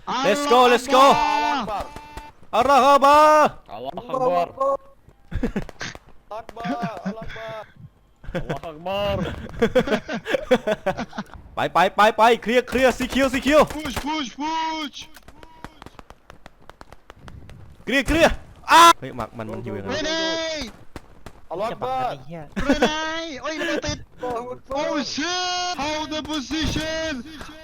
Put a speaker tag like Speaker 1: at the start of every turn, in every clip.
Speaker 1: let's go let's go อัลลอฮฺอักบัร
Speaker 2: อัลลอฮฺอักบัรอักบัรอัลลอฮฺอักบัร
Speaker 1: ไปเคลียร์ซีคิว
Speaker 3: push
Speaker 1: เคลียร์เฮ้ยมันอยู่ยังไง
Speaker 3: เรเน่
Speaker 2: อัลลอฮฺอักบัร
Speaker 3: เรเน่โอ้ยมันติด oh shit hold the position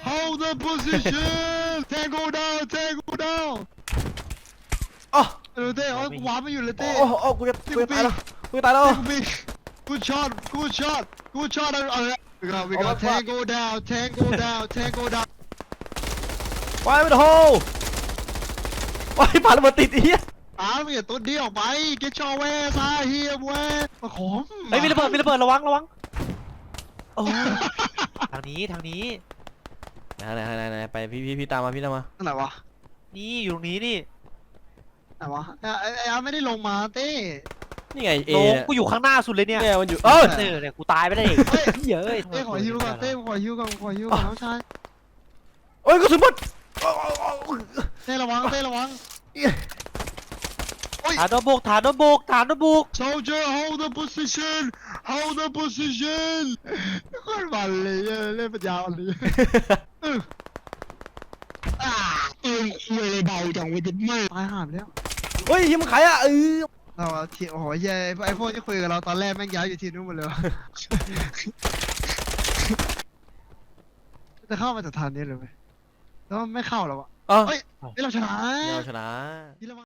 Speaker 3: tango down
Speaker 1: อ๋อ
Speaker 3: เต้โอ้ยกูวาร์ปไม่อยู่เลยเต้
Speaker 1: โอ้กูจะตายแล้ว
Speaker 3: good shot we got tango down
Speaker 1: ไปไม่โดนไปผ่านระเบิดติดอีก
Speaker 3: มีตัวเดียวไปเกชอเวซาเฮียเวมาขม
Speaker 4: เฮ้ยมีระเบิดระวังโอ้ทางนี้
Speaker 1: ไหนไปพี่ตามมา
Speaker 3: ไหนวะ
Speaker 4: นี่อยู่ตรงนี้นี่
Speaker 3: ไหนวะไอ้ไม่ได้ลงมาเต้
Speaker 1: นี่ไงเอ
Speaker 4: โลกูอยู่ข้างหน้าสุดเลยเนี่ย
Speaker 1: เนี่ยมันอยู่
Speaker 4: เนี่ยกูตายไปได้เองเยอะ
Speaker 3: เต้ขอฮิวก่อนน้องชาย
Speaker 1: โอ้ยกระสุนหมด
Speaker 3: เต้ระวัง
Speaker 4: ฐานโดบุก
Speaker 3: soldier hold the position โคตรมันเลยเล่นปัญญาอ่อนเลยคุยเลยเบาจังเว้ยจิตมือตายห่าไปแล้ว
Speaker 1: เฮ้ยมันขายอ่ะ
Speaker 3: เราทีโอ้โหเย้ไอ้พวกที่คุยกับเราตอนแรกแม่งย้ายอยู่ทีนู้นหมดเลยจะเข้ามาจากทางนี้เลยไหมแล้วไม่เข้าหรอวะเฮ้ยเราชนะ
Speaker 1: เราชนะ